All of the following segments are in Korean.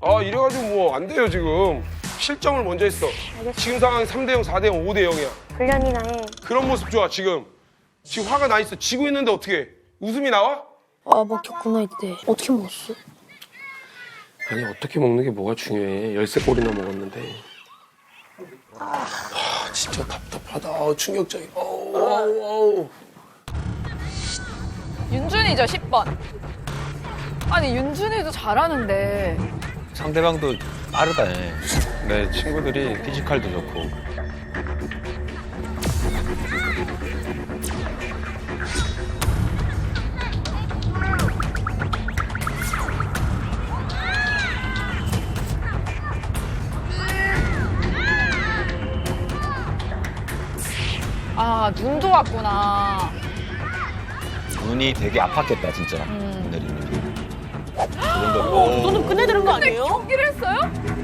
아, 이래가지고 뭐 안 돼요, 지금. 실점을 먼저 했어. 알겠어. 지금 상황이 3대0, 4대0, 5대0이야. 훈련이나 해. 그런 모습 좋아, 지금. 지금 화가 나 있어. 지고 있는데 어떻게? 웃음이 나와? 아, 먹혔구나, 이때. 어떻게 먹었어? 아니, 어떻게 먹는 게 뭐가 중요해. 13골이나 먹었는데. 진짜 답답하다. 충격적이야. 어우. 윤준이죠, 10번. 아니, 윤준이도 잘하는데. 상대방도 빠르다네. 내 친구들이 피지컬도 좋고. 아, 눈도 왔구나. 눈이 되게 아팠겠다 진짜. 내리는 게. 너는 끝내드는 거 아니에요? 경기를 했어요?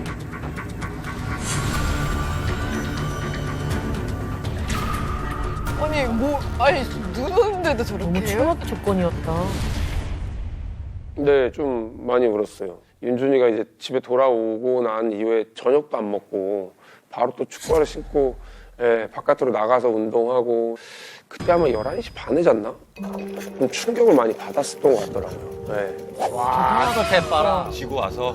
아니, 눈 오는데도 저렇게 너무 해요? 최악의 조건이었다. 네, 좀 많이 울었어요. 윤준이가 이제 집에 돌아오고 난 이후에 저녁도 안 먹고 바로 또 축구화를 신고 바깥으로 나가서 운동하고 그때 아마 11시 반에 잤나? 좀 충격을 많이 받았었던 것 같더라고요. 네. 와서 대빠라. 지고 와서.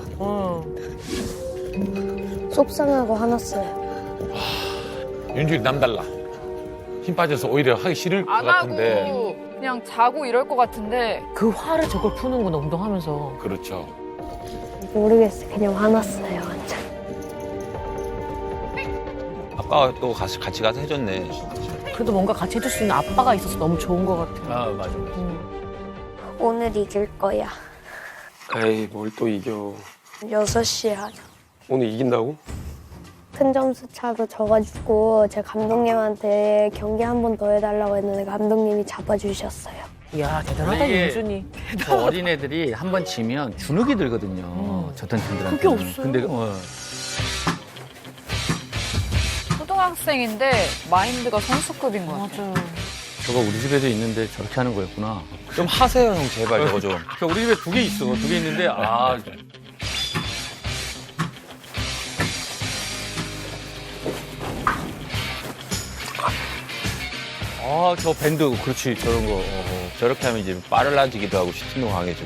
속상하고 화났어요. 윤준이 남달라. 힘 빠져서 오히려 하기 싫을 것 안 같은데. 하고 그냥 자고 이럴 것 같은데. 그 화를 저걸 푸는구나, 운동하면서. 그렇죠. 모르겠어요. 그냥 화났어요, 완전. 아빠가 또 같이 가서 해줬네. 그래도 뭔가 같이 해줄 수 있는 아빠가 있어서 너무 좋은 것 같아. 아 맞아. 오늘 이길 거야. 에이, 뭘 또 이겨. 6시에 하자. 오늘 이긴다고? 큰 점수 차로 져가지고 제 감독님한테 경기 한 번 더 해달라고 했는데 감독님이 잡아주셨어요. 이야, 대단하다, 이게 윤준이. 저 어린애들이 한 번 지면 주눅이 들거든요. 저딴 팀들한테. 그게 없어요. 근데 초등학생인데 마인드가 선수급인 것 같아요. 맞아. 저거 우리 집에도 있는데 저렇게 하는 거였구나. 좀 하세요 형 제발 저거 좀. 저 우리 집에 2개 있어. 2개 있는데 저 밴드 그렇지 저런 거 저렇게 하면 이제 빨라지기도 하고 슈팅도 강해지고.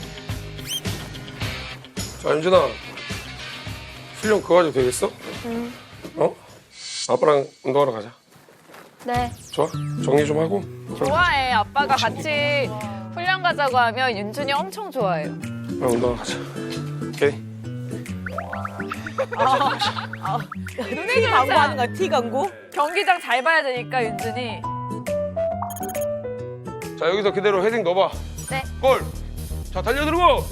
자, 윤준아. 훈련 그거 가지고 되겠어? 응. 어? 아빠랑 운동하러 가자. 네. 좋아? 정리 좀 하고. 좋아해. 아빠가 같이 훈련 가자고 하면 윤준이 엄청 좋아해요. 나 운동하러 가자. 오케이? 티 광고 하는 거야, 티 광고? 경기장 잘 봐야 되니까 윤준이. 자, 여기서 그대로 헤딩 넣어봐. 네. 골! 자, 달려들고!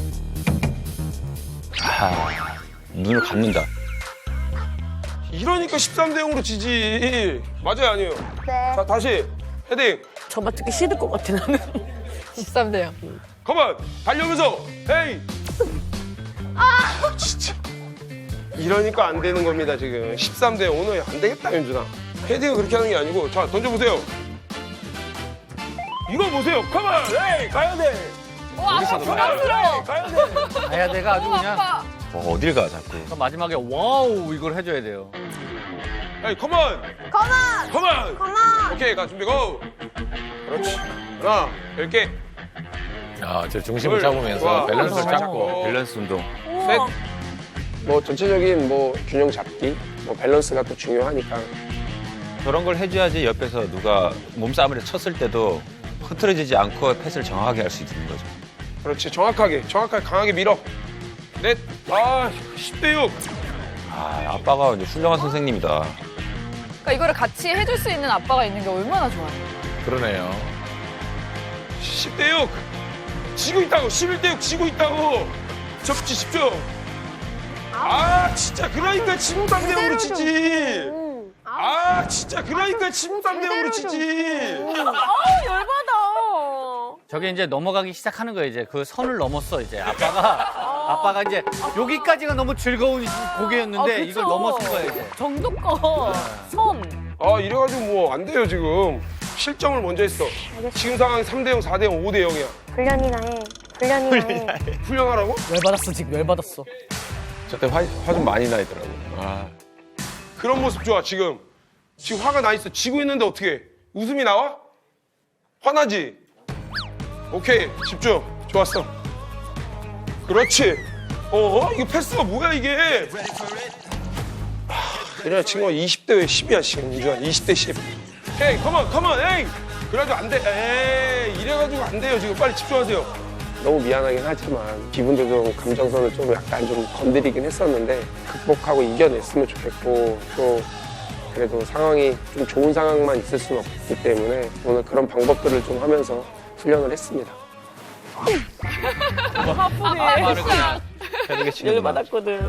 눈을 감는다. 이러니까 13대 0으로 지지. 맞아요, 아니에요? 네. 자, 다시 헤딩. 저만 듣기 싫을 것 같아, 나는. 13대요. 컴온! 달려오면서 헤이! 진짜. 이러니까 안 되는 겁니다, 지금. 13대 0. 오늘 안 되겠다, 윤준아. 헤딩을 그렇게 하는 게 아니고. 자, 던져보세요. 이거 보세요. 컴온! 헤이! 가야 돼! 아빠 부담스러워. 가야 돼! 가야 돼가 아주 그냥 아빠. 어딜 가 자꾸. 그러니까 마지막에 와우 이걸 해줘야 돼요. 헤이, 컴온! 컴온! 컴온! 컴온! 오케이, 가, 준비, 고! 그렇지. 하나, 10개. 저 중심을 좋아. 잡으면서 밸런스를 잘 잡고. 밸런스 운동. 셋. 뭐 전체적인 뭐 균형 잡기, 뭐 밸런스가 또 중요하니까. 저런 걸 해줘야지 옆에서 누가 몸싸움을 쳤을 때도 흐트러지지 않고 패스를 정확하게 할 수 있는 거죠. 그렇지, 정확하게 강하게 밀어. 넷. 아, 10대 6. 아빠가 이제 훌륭한 선생님이다. 그러니까 이거를 같이 해줄 수 있는 아빠가 있는 게 얼마나 좋아요. 그러네요. 10대 6. 지고 있다고. 11대 6 지고 있다고. 접지 10점. 진짜 그러니까 지금 3대 0으로 지지. 진짜 그러니까 지금 3대 0으로 지지. 열받아. 저게 이제 넘어가기 시작하는 거예요. 이제 그 선을 넘었어. 이제 아빠가 이제 여기까지가 너무 즐거운 곡이었는데 이걸 넘어선 거예요. 이제. 정도껏 선. 이래가지고 뭐 안 돼요, 지금. 실점을 먼저 했어. 알겠어. 지금 상황이 3대 0, 4대 0, 5대 0이야. 훈련이나 해. 훈련이나 해. 훈련하라고? 열받았어, 지금 열받았어. 저때 화 좀 많이 나더라고. 아. 그런 모습 좋아, 지금. 지금 화가 나 있어. 지고 있는데 어떻게 웃음이 나와? 화나지? 오케이, 집중. 좋았어. 그렇지. 이거 패스가 뭐야, 이게? 이래 친구가 20대 왜 10이야, 지금. 윤주아, 20대 10. 오케이, 컴온, 에이! 그래가지고 안 돼. 에이, 이래가지고 안 돼요, 지금. 빨리 집중하세요. 너무 미안하긴 하지만 기분도 좀 감정선을 좀 약간 좀 건드리긴 했었는데 극복하고 이겨냈으면 좋겠고 또 그래도 상황이 좀 좋은 상황만 있을 수는 없기 때문에 오늘 그런 방법들을 좀 하면서 훈련을 했습니다. 아빠를 그냥 패드게 치는 거.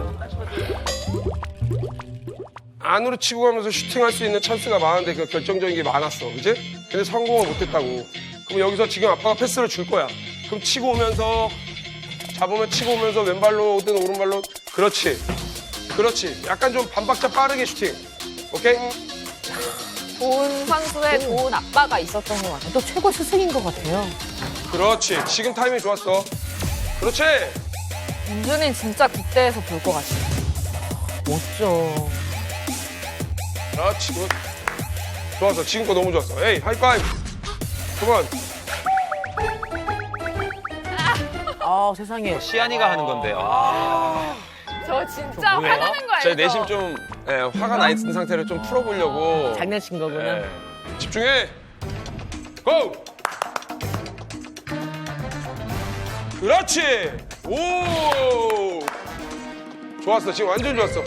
안으로 치고 가면서 슈팅할 수 있는 찬스가 많은데 그 결정적인 게 많았어, 그지? 근데 성공을 못했다고. 그럼 여기서 지금 아빠가 패스를 줄 거야. 그럼 치고 오면서 잡으면 치고 오면서 왼발로든 오른발로 그렇지. 약간 좀 반박자 빠르게 슈팅. 오케이? 좋은 선수의 좋은 아빠가 있었던 것 같아요. 또 최고 스승인 것 같아요. 그렇지. 지금 타이밍 좋았어. 그렇지. 윤준이는 진짜 국대에서 볼 것 같아요. 멋져. 그렇지. 굿. 좋았어. 지금 거 너무 좋았어. 에이, 하이파이브. 컴온. 아, 세상에. 시안이가 하는 건데. 아. 저 진짜 화나는 거 알죠? 제 내심 좀 화가 나 있는 상태를 좀 풀어보려고 장난친 거구나. 예. 집중해. 고! 그렇지. 오! 좋았어. 지금 완전 좋았어.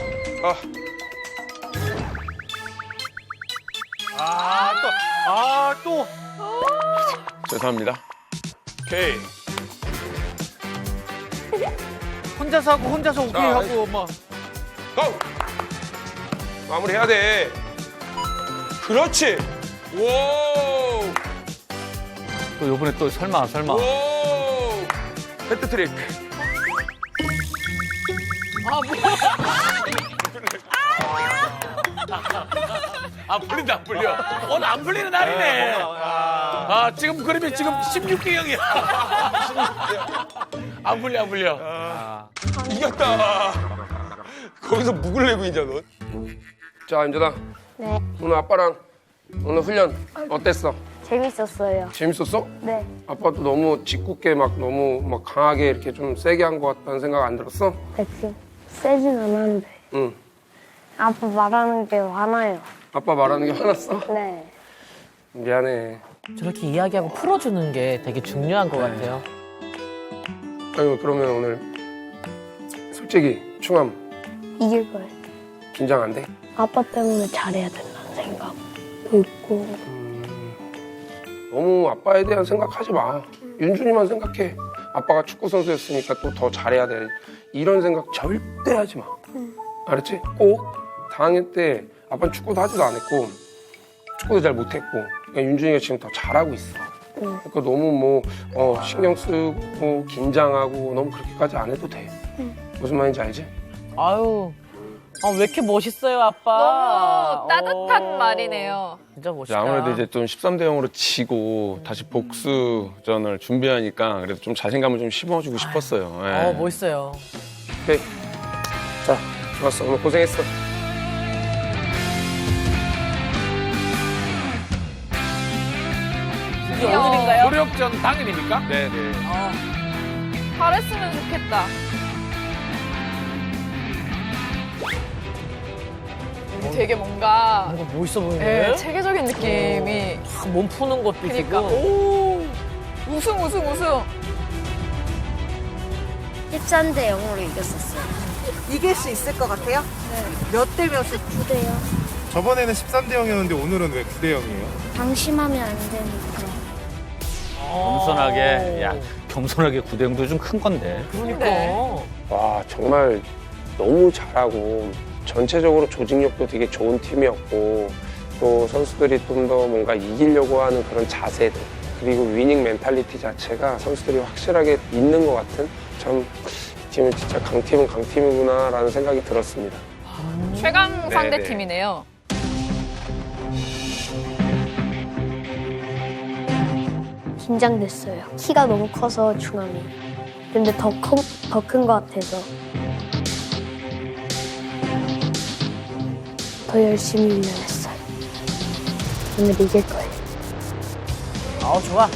또. 죄송합니다. 오케이. 혼자서 하고 혼자서 오케이 자, 하고 막. 고! 마무리해야 돼. 그렇지. 오! 또 요번에 또 설마. 오! 헤트트릭. 안 풀린다, 안 풀려. 오늘 안 풀리는 날이네. 지금 그러면 지금 16개형이야. 안 풀려. 이겼다. 거기서 묵을 내고 있냐, 넌? 자, 임준아. 네, 오늘 아빠랑 오늘 훈련 어땠어? 재밌었어요. 재밌었어? 네, 아빠도 너무 짓궂게 막 너무 막 강하게 이렇게 좀 세게 한 것 같다는 생각 안 들었어? 백신 세진 않았는데 응. 아빠 말하는 게 화나요. 아빠 말하는 게 화났어? 네, 미안해. 저렇게 이야기하고 풀어주는 게 되게 중요한 것 같아요. 아유, 그러면 오늘 솔직히 충암 이길 거예요. 긴장 안 돼? 아빠 때문에 잘해야 된다는 생각도 있고 너무 아빠에 대한 생각하지 마. 윤준이만 생각해. 아빠가 축구 선수였으니까 또 더 잘해야 돼. 이런 생각 절대 하지 마. 알았지? 꼭 4학년 때 아빠는 축구도 하지도 않았고 축구도 잘 못했고 그러니까 윤준이가 지금 더 잘하고 있어. 그러니까 너무 신경 쓰고 긴장하고 너무 그렇게까지 안 해도 돼. 무슨 말인지 알지? 아유, 왜 이렇게 멋있어요, 아빠. 너무 따뜻한 말이네요. 진짜 멋있다. 아무래도 이제 좀 13대 0으로 지고 다시 복수전을 준비하니까 그래도 좀 자신감을 좀 심어주고 싶었어요. 예. 멋있어요. 오케이. 자, 좋았어. 오늘 고생했어. 이게 오늘인가요? 노력전 당일입니까? 네네. 잘했으면 좋겠다. 되게 뭔가 뭔가 멋있어 보이네. 체계적인 느낌이 몸 푸는 것도 그러니까 있고. 우승 13대 0으로 이겼었어요. 이길 수 있을 것 같아요? 네. 몇 대 몇을? 9대요. 저번에는 13대 0이었는데 오늘은 왜 9대 0이에요? 방심하면 안 되니까. 겸손하게 9대0도 좀 큰 건데. 그러니까. 네. 와 정말 너무 잘하고 전체적으로 조직력도 되게 좋은 팀이었고 또 선수들이 좀 더 뭔가 이기려고 하는 그런 자세들 그리고 위닝 멘탈리티 자체가 선수들이 확실하게 있는 것 같은 참 이 팀은 진짜 강팀은 강팀이구나라는 생각이 들었습니다. 최강 상대 네네. 팀이네요. 긴장됐어요. 키가 너무 커서 중함이. 근데 더 큰 것 같아서. 더 열심히 훈련했어요. 오늘 이길 거예요. 좋아.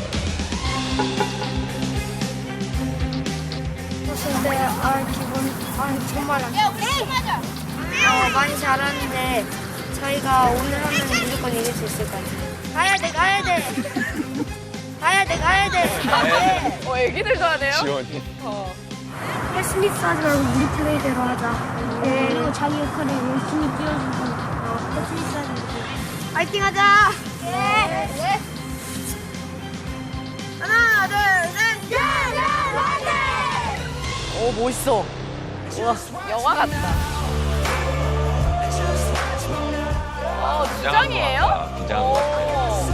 근데 정말 많이 잘하는데 저희가 오늘 하면 무조건 이길 수 있을 것 같아요. 가야 돼. 애기들도 하네요. 지원이. 패스미스 하지 말고 우리 플레이대로 하자. 그리고 자기 역할을 열심히 뛰어주고 패스미스 하지 말고 파이팅 하자. 하나, 둘, 셋. 멋있어. 영화 같다. 주장이에요? 긴장한 것 같아.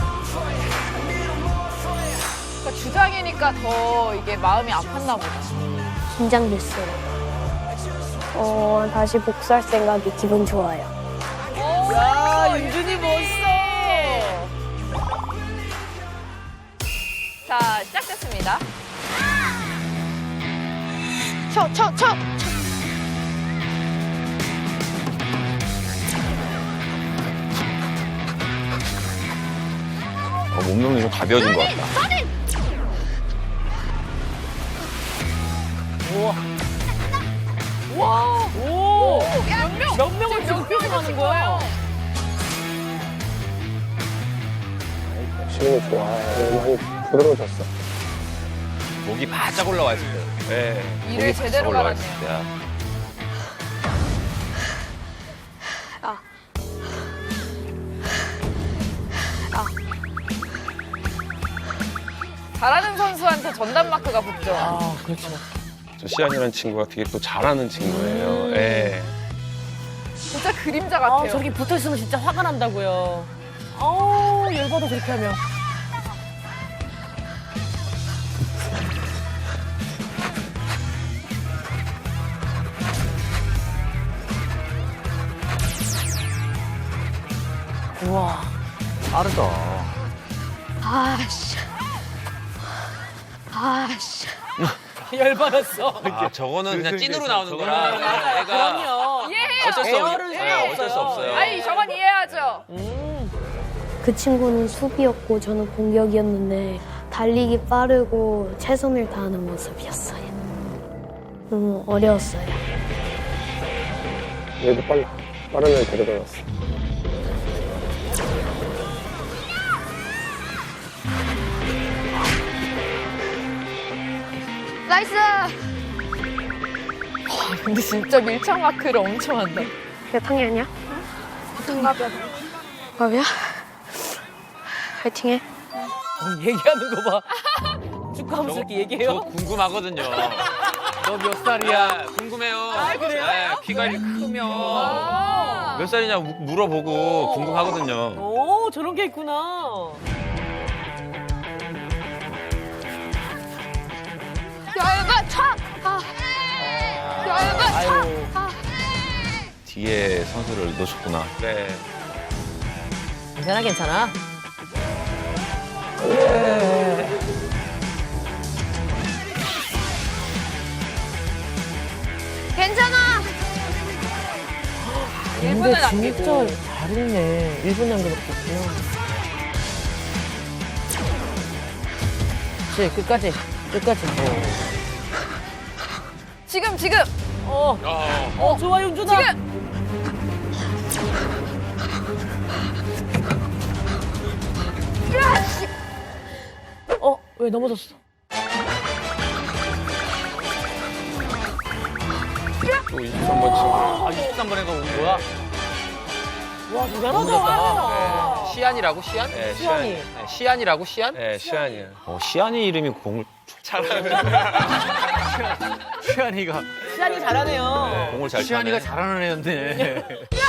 그러니까 주장이니까 더 이게 마음이 아팠나 보다. 긴장됐어요. 다시 복수할 생각이 기분 좋아요. 야, 윤준이 멋있어. 자, 시작됐습니다. 쳐. 몸동이 좀 가벼워진 것 같다. 오! 몇 명을 지금 표현하는 거야? 지금은 좋아. 많이 부드러워졌어. 목이 바짝 올라와 있을 때. 네. 일을 목이 제대로 바짝 올라와 갈았네요. 있을 때야. 잘하는 선수한테 전담 마크가 붙죠. 그렇죠. 저 시안이라는 친구가 되게 또 잘하는 친구예요. 예. 진짜 그림자 같아요. 저렇게 붙어 있으면 진짜 화가 난다고요. 열받아 그렇게 하면. 우와, 빠르다. 열받았어. 아, 저거는 그냥 찐으로 나오는 거라. 애가 그럼요. 이해해요. 어쩔 수 에어를 없어요. 수가 어쩔 수 없어요. 아니, 저건 이해하죠. 그 친구는 수비였고 저는 공격이었는데 달리기 빠르고 최선을 다하는 모습이었어요. 너무 어려웠어요. 얘도 빨라. 빠른 애 데려다 놨어. 나이스! 근데 진짜 밀착 마크를 엄청 한다. 몇 학년이야? 동갑이야. 동갑이야? 파이팅해. 얘기하는 거 봐. 축하하면서 이렇게 저 얘기해요? 궁금하거든요. 너 몇 살이야? 궁금해요. 그래요? 네, 키가 이렇게 크면 아. 몇 살이냐 물어보고 궁금하거든요. 오, 저런 게 있구나. 열받쳐! 아유, 뒤에 선수를 놓쳤구나. 네. 괜찮아, 괜찮아. 괜찮아! 1분을 남기고. 진짜 잘했네. 1분 남겨놓겠구나. 그치, 끝까지. 지금! 좋아, 윤준아. 지금! 왜 넘어졌어? 또 23번 친구. 아, 23번에가 온 거야? 와, 대단하다. 시안이라고, 시안? 네, 시안이. 네, 시안이라고, 시안? 네, 시안이야. 시안이 이름이 공을 시안이가. 시안이 잘하네요. 공을 잘 시안이가 차네. 잘하는 애였네.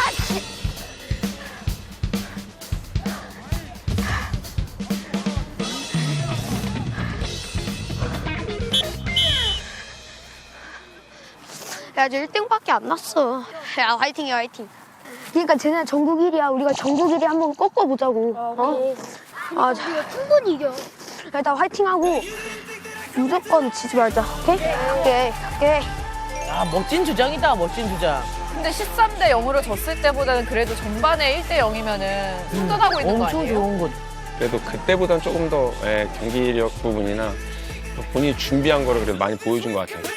야, 저 1등밖에 안 났어. 야, 화이팅이야, 화이팅. 그러니까 쟤네 전국 1위야. 우리가 전국 1위 한번 꺾어보자고. 우리가 충분히 이겨. 일단 화이팅하고 무조건 지지 말자. 오케이? 오케이. 야, 멋진 주장이다, 멋진 주장. 근데 13대 0으로 졌을 때보다는 그래도 전반에 1대 0이면은 선전하고 있는 거 엄청 아니에요? 좋은 것. 그래도 그때보다는 조금 더 경기력 부분이나 또 본인이 준비한 거를 그래도 많이 보여준 것 같아요.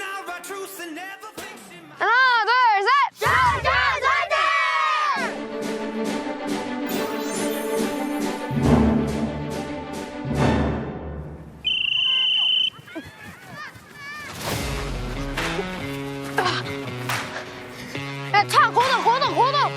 하나, 둘, 셋! 야, 차 걷어, 걷어, 걷어!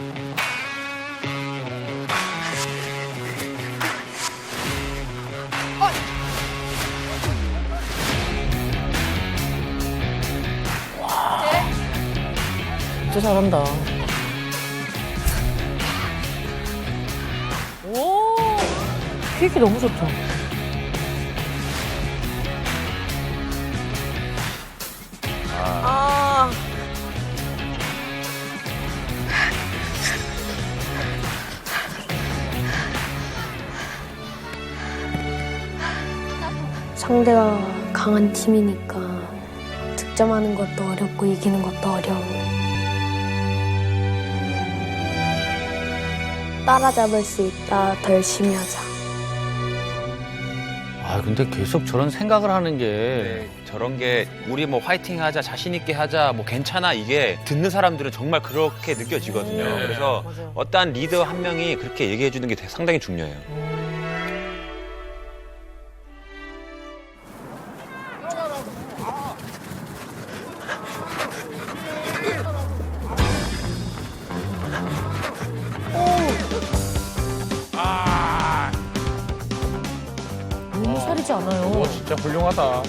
진짜 잘한다. 오, 킥이 너무 좋다. 아, 상대가 강한 팀이니까 득점하는 것도 어렵고 이기는 것도 어려워. 따라잡을 수 있다. 더 열심히 하자. 아, 근데 계속 저런 생각을 하는 게 네, 저런 게 우리 뭐 화이팅 하자, 자신 있게 하자, 뭐 괜찮아 이게 듣는 사람들은 정말 그렇게 느껴지거든요. 그래서 맞아요. 어떠한 리더 한 명이 그렇게 얘기해 주는 게 상당히 중요해요. 너무 살이지 않아요. 오, 진짜 훌륭하다.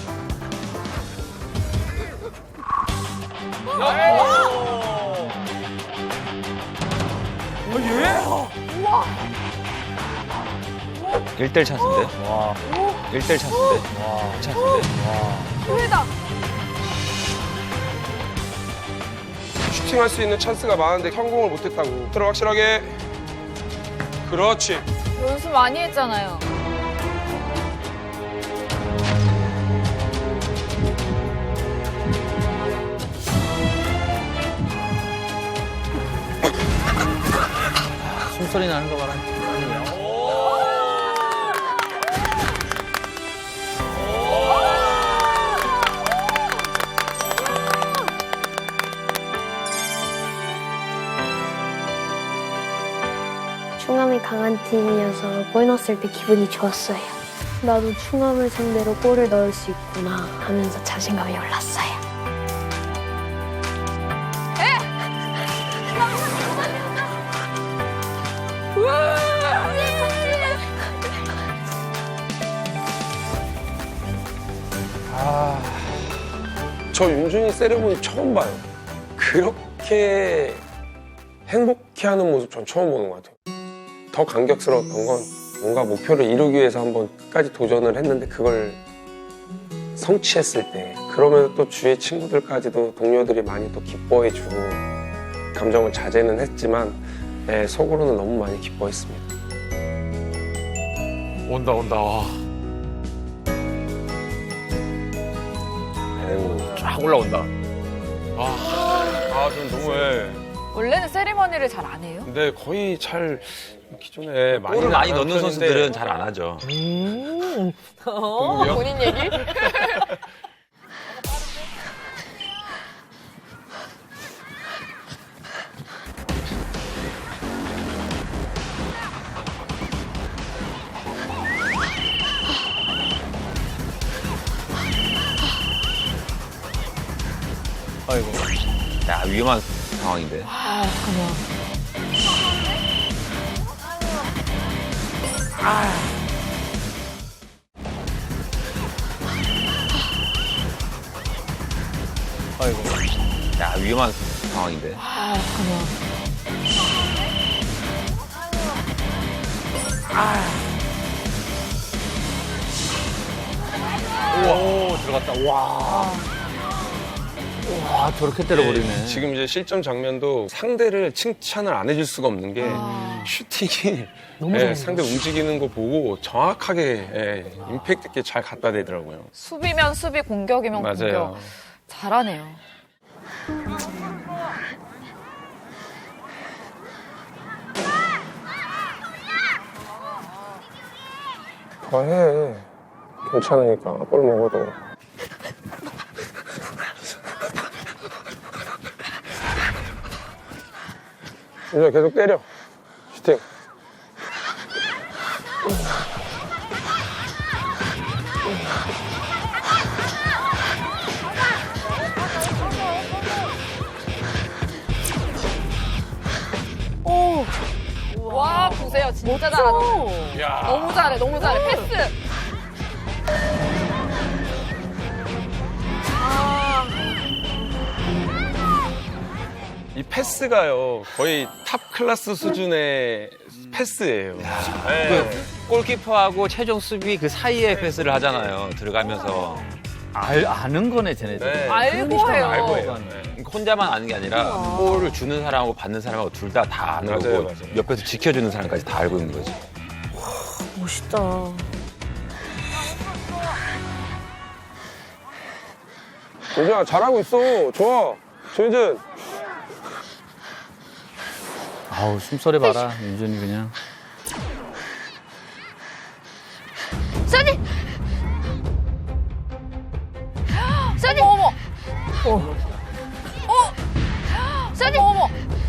일대1 찬스인데? 와. 1대1 찬스인데? 찬스인데? 기회다. 슈팅할 수 있는 찬스가 많은데 성공을 못했다고. 들어 확실하게. 그렇지. 연습 많이 했잖아요. 숨소리 나는 거 봐라. 충암이 강한 팀이어서 골 넣었을 때 기분이 좋았어요. 나도 충암을 상대로 골을 넣을 수 있구나 하면서 자신감이 올랐어요. 저 윤준이 세레모니 처음 봐요. 그렇게 행복해하는 모습 전 처음 보는 것 같아요. 더 감격스러웠던 건 뭔가 목표를 이루기 위해서 한번 끝까지 도전을 했는데 그걸 성취했을 때 그러면서 또 주위의 친구들까지도 동료들이 많이 또 기뻐해주고 감정을 자제는 했지만 속으로는 너무 많이 기뻐했습니다. 온다, 온다. 와. 쫙 올라온다. 전 너무 원래는 세리머니를 잘 안 해요? 근데 거의 잘 기존에 골을 많이 안 넣는 하는데 선수들은 잘 안 하죠. 본인 얘기? 아이고. 야, 위험한 상황인데. 아, 잠깐만. 아이고. 야, 위험한 상황인데. 아, 잠깐만. 오, 들어갔다. 와. 와, 저렇게 때려버리네. 지금 이제 실점 장면도 상대를 칭찬을 안 해줄 수가 없는 게 슈팅이 너무 잘한다. 상대 움직이는 거 보고 정확하게 임팩트 있게 잘 갖다 대더라고요. 수비면 수비, 공격이면 맞아요. 공격. 잘하네요. 더 해. 괜찮으니까 볼 먹어도. 이제 계속 때려. 슈팅. 와, 보세요. 진짜 잘하네. 야. 너무 잘해, 너무 잘해. 패스. 이 패스가요 거의 탑 클래스 수준의 패스예요. 네. 골키퍼하고 최종 수비 그 사이에 패스를 하잖아요. 들어가면서. 아는 거네, 쟤네들. 네. 알고 해요. 알고 해요. 그러니까 혼자만 아는 게 아니라 볼을 주는 사람하고 받는 사람하고 둘 다 아는 맞아요, 거고 맞아요. 옆에서 지켜주는 사람까지 다 알고 있는 거지. 멋있다. 윤준아 잘하고 있어. 좋아. 조윤준. 아우, 숨소리 봐라, 윤준이 그냥. 써니! 써니! 어머, 써니! 어머.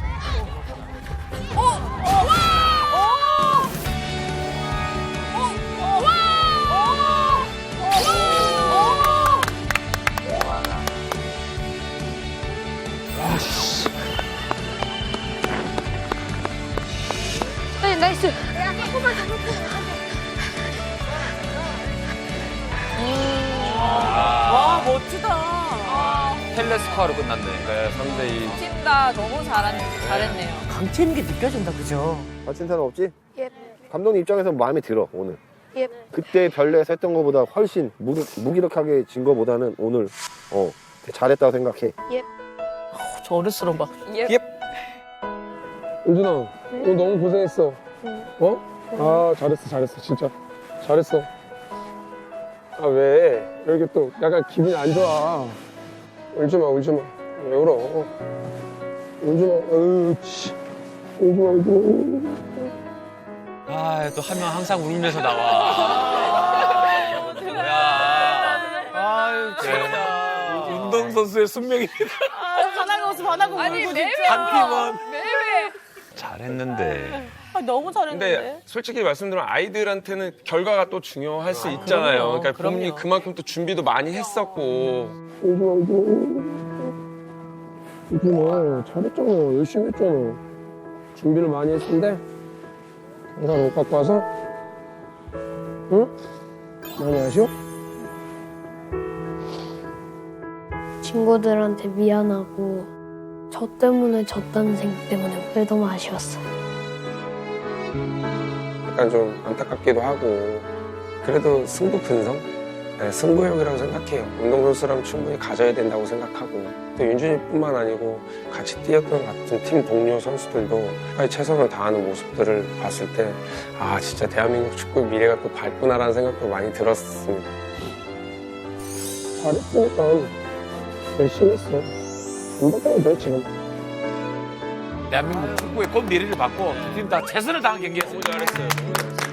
써니 나이스! 와, 멋지다. 텔레스코어로 끝났네. 네, 3대2. 팀 다 너무 잘했네요. 강체 있는 게 느껴진다, 그죠? 다친 사람 없지? 예. 감독님 입장에서 마음에 들어 오늘. 예. 그때 별내에서 했던 것보다 훨씬 무기력하게 진 것보다는 오늘 잘했다고 생각해. 저 어른스러운 막. 윤준아 오늘 너무 고생했어. 어? 아 잘했어 진짜 잘했어. 아 왜 이렇게 또 약간 기분이 안 좋아. 울지마 왜 울어. 울지마 울지마. 아, 또 한 명 항상 울면서 나와. 아유, 진짜. 운동선수의 숙명입니다. 화나고 웃어, 화나고 아니, 울고 매회 진짜. 매회. 잘했는데. 아, 너무 잘했는데. 근데 솔직히 말씀드리면 아이들한테는 결과가 또 중요할 수 있잖아요. 그럼요, 그러니까 부모님이 그럼요. 그만큼 또 준비도 많이 했었고. 잘했잖아. 열심히 했잖아. 준비를 많이 했는데 결과를 못 갖고 와서 응? 많이 아쉬워? 친구들한테 미안하고 저 때문에 졌다는 생각 때문에 그게 너무 아쉬웠어. 약간 좀 안타깝기도 하고 그래도 승부 근성? 네, 승부욕이라고 생각해요. 운동선수라면 충분히 가져야 된다고 생각하고 또 윤준이뿐만 아니고 같이 뛰었던 같은 팀 동료 선수들도 끝까지 최선을 다하는 모습들을 봤을 때 아 진짜 대한민국 축구의 미래가 또 밝구나라는 생각도 많이 들었습니다. 잘했으니까 열심히 했어. 안 바꿔도 돼 지금. 대한민국 축구의 꽃 미래를 받고 두 팀 다 최선을 다한 경기였습니다. 잘했어요.